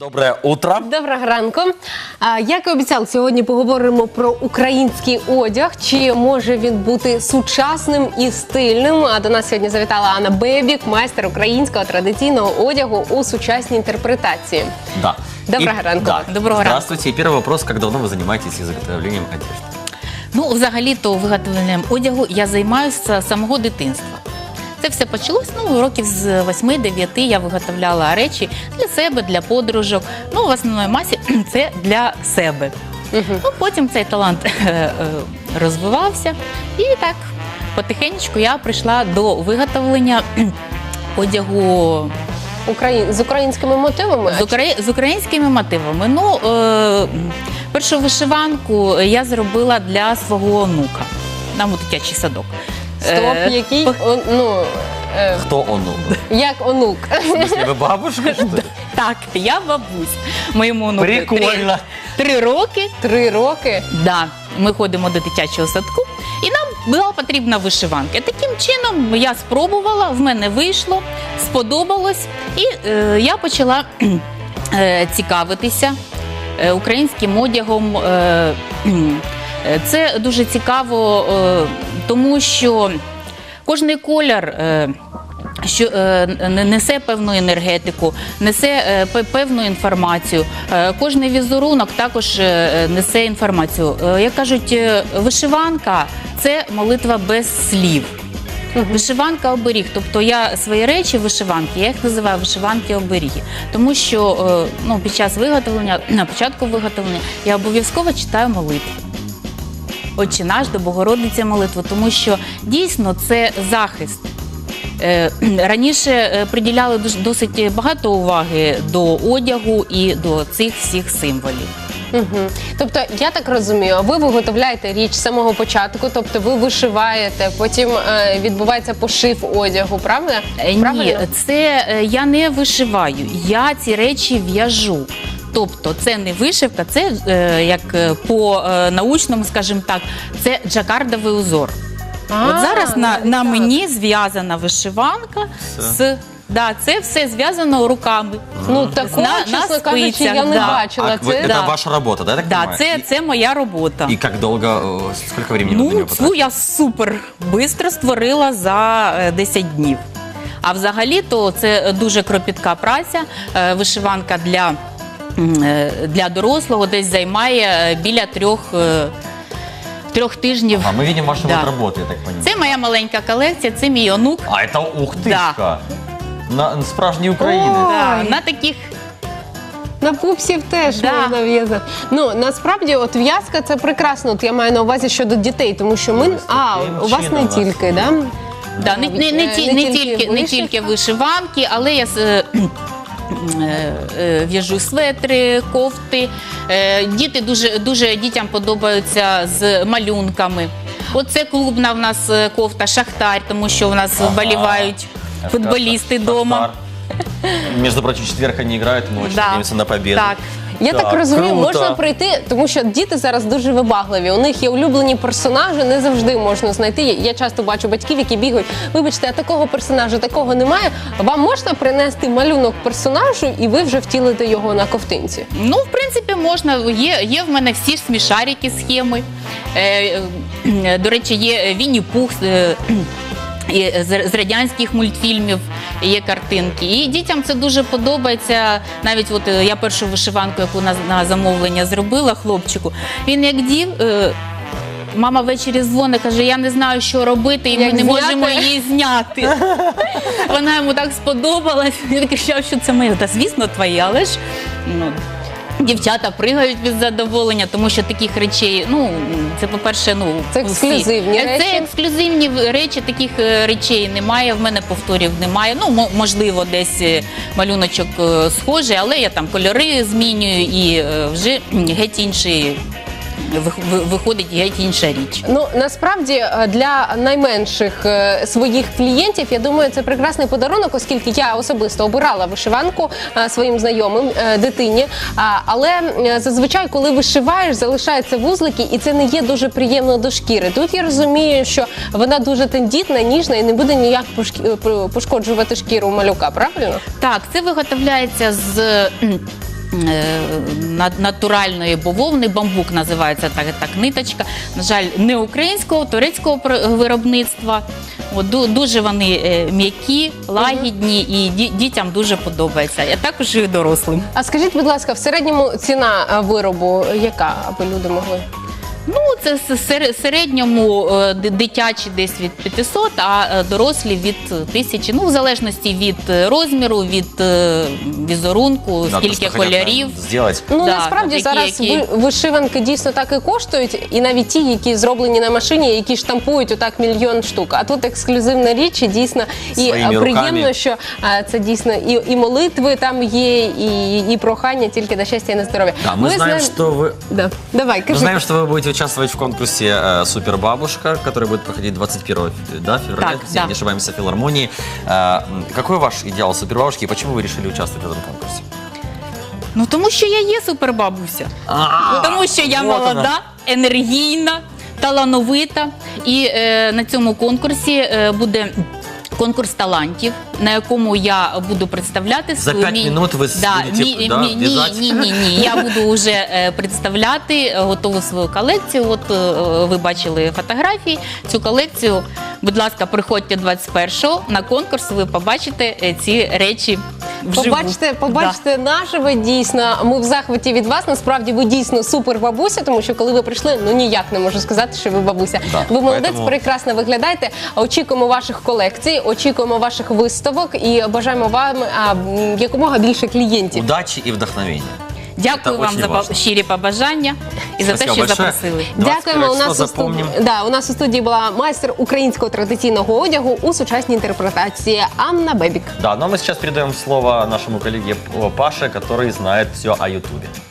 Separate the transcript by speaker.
Speaker 1: Доброе утро.
Speaker 2: Доброго ранку. Як і обіцяли, сьогодні поговоримо про український одяг. Чи може він бути сучасним і стильним? А до нас сьогодні завітала Анна Бебік, майстер українського традиційного одягу у сучасній інтерпретації.
Speaker 1: Да.
Speaker 2: Доброго ранку.
Speaker 1: Да.
Speaker 2: Доброго ранку.
Speaker 1: Здравствуйте. И первый вопрос. Как давно вы занимаетесь изготовлением одежды?
Speaker 3: Ну, взагалі-то виготовленням одягу я займаюся з самого дитинства. Це все почалось, років з 8-9 я виготовляла речі для себе, для подружок. Ну, в основній масі це для себе. Ну, потім цей талант розвивався. І так, потихеньку я прийшла до виготовлення одягу
Speaker 2: З українськими мотивами?
Speaker 3: з українськими мотивами. Ну, першу вишиванку я зробила для свого онука. Нам у дитячий садок.
Speaker 2: Стоп, який?
Speaker 1: Кто онук?
Speaker 2: Як онук?
Speaker 1: В смысле, вы бабушка, что ли?
Speaker 3: Так, я бабусь. Моєму онуку
Speaker 1: Прикольно.
Speaker 3: 3 роки.
Speaker 2: 3 роки?
Speaker 3: Да, ми ходимо до дитячого садку, і нам була потрібна вишиванка. Таким чином я спробувала, в мене вийшло, сподобалось, і я почала цікавитися українським одягом. Це дуже цікаво, тому що кожний колір несе певну енергетику, несе певну інформацію. Кожний візерунок також несе інформацію. Як кажуть, вишиванка – це молитва без слів. Вишиванка оберіг. Тобто я свої речі вишиванки, я їх називаю вишиванки-оберіги. Тому що під час виготовлення, на початку виготовлення, я обов'язково читаю молитву. Отче наш, до Богородиці молитву, тому що дійсно це захист. Раніше приділяли досить багато уваги до одягу і до цих всіх символів.
Speaker 2: Тобто, я так розумію, ви виготовляєте річ з самого початку, тобто ви вишиваєте, потім відбувається пошив одягу, правда?
Speaker 3: Ні, це я не вишиваю, я ці речі в'яжу. Тобто це не вишивка, це, як по-научному, скажімо так, це джакардовий узор. От зараз на мені зв'язана вишиванка з... Да, це все зв'язано руками.
Speaker 2: Ну, такого, чесно кажучи, я не бачила.
Speaker 1: Это ваша работа, да, так понимаю?
Speaker 3: Да, це моя робота.
Speaker 1: И как долго, сколько времени вы на нее потратили?
Speaker 3: Цю я супер швидко створила за 10 днів. А взагалі-то це дуже кропітка праця. Вишиванка для дорослого десь займає біля 3 тижнів.
Speaker 1: А мы видим вашу вот работу, я так понимаю.
Speaker 3: Це моя маленька колекція, це мій онук.
Speaker 1: А это ух тышка! Справжній українець.
Speaker 3: На таких...
Speaker 2: На пупсів теж
Speaker 3: Да.
Speaker 2: можна в'язати. Ну, насправді, от в'язка – це прекрасно. От я маю на увазі щодо дітей, тому що ми... у вас не тільки, да?
Speaker 3: Да, не тільки вишиванки, але я в'яжу светри, кофти. Діти дітям подобаються з малюнками. Оце клубна в нас кофта «Шахтар», тому що в нас вболівають футболісти вдома.
Speaker 1: Между прочим, в четверг они играют, мы очень надеемся на победу.
Speaker 3: Так.
Speaker 2: Я так розумію,
Speaker 1: круто.
Speaker 2: можна прийти, тому що діти зараз дуже вибагливі. У них є улюблені персонажі, не завжди можна знайти. Я часто бачу батьків, які бігають. Вибачте, а такого персонажа, такого немає. Вам можна принести малюнок персонажу, і ви вже втілите його на ковтинці?
Speaker 3: Ну, в принципі, можна. Є в мене всі ж смішарики схеми. До речі, є Вінні-Пух з радянських мультфільмів, є картинки. І дітям це дуже подобається. Навіть от я першу вишиванку, яку на замовлення зробила хлопчику, він як дів, мама ввечері дзвонить, каже, я не знаю, що робити, і ми не можемо її зняти. Вона йому так сподобалась, він кричав, що це моє. Та звісно, твоє, але ж... Дівчата пригають від задоволення, тому що таких речей, це, по-перше,
Speaker 2: це ексклюзивні речі.
Speaker 3: Це ексклюзивні речі, таких речей немає, в мене повторів немає. Можливо, десь малюночок схожий, але я там кольори змінюю і вже геть інший виходить геть інша річ.
Speaker 2: Ну, насправді, для найменших своїх клієнтів, я думаю, це прекрасний подарунок, оскільки я особисто обирала вишиванку своїм знайомим, дитині. Але зазвичай, коли вишиваєш, залишаються вузлики, і це не є дуже приємно до шкіри. Тут я розумію, що вона дуже тендітна, ніжна і не буде ніяк пошкоджувати шкіру малюка, правильно?
Speaker 3: Так, це виготовляється з натуральної бавовни, бамбук називається так ниточка. На жаль, не українського, турецького виробництва. Дуже вони м'які, лагідні і дітям дуже подобається, а також і дорослим.
Speaker 2: А скажіть, будь ласка, в середньому ціна виробу яка, аби люди могли?
Speaker 3: Ну, це в середньому дитячі десь від 500, а дорослі від 1000. Ну, в залежності від розміру, від візерунку, скільки кольорів.
Speaker 2: Ну, насправді зараз вишиванки дійсно так і коштують, і навіть ті, які зроблені на машині, які штампують отак мільйон штук. А тут ексклюзивна річ, і дійсно, і приємно, що це дійсно і молитви там є, і прохання тільки до щастя і на здоров'я.
Speaker 1: Мы знаем, что вы...
Speaker 2: Давай, кажи.
Speaker 1: Мы знаем, что вы будете участвовать в конкурсе «Супербабушка», который будет проходить 21 февраля, если не ошибаемся, в филармонии. Какой ваш идеал супербабушки и почему вы решили участвовать в этом конкурсе?
Speaker 3: Ну, тому що я є супербабуся. Тому що я молода, енергійна, талановита. І на цьому конкурсі буде конкурс талантів, на якому я буду представляти свою...
Speaker 1: За 5 минут ви будете в'язати?
Speaker 3: Ні. Я буду вже представляти готову свою колекцію. От ви бачили фотографії. Цю колекцію, будь ласка, приходьте 21-го на конкурс, ви побачите ці речі вживу.
Speaker 2: Побачите наживо, дійсно. Ми в захваті від вас. Насправді, ви дійсно супер бабуся, тому що коли ви прийшли, ну ніяк не можу сказати, що ви бабуся. Ви молодець, прекрасно виглядаєте. Очікуємо ваших колекцій, очікуємо ваших виставок і бажаємо вам якомога більше клієнтів.
Speaker 1: Удачі і вдохновення.
Speaker 3: Дякую вам за щирі побажання і за те, що запросили.
Speaker 2: Дякуємо. У нас у студії була майстер українського традиційного одягу у сучасній інтерпретації Анна Бебік.
Speaker 1: Да, но мы сейчас передаем слово нашему коллеге Паше, который знает все о Ютубе.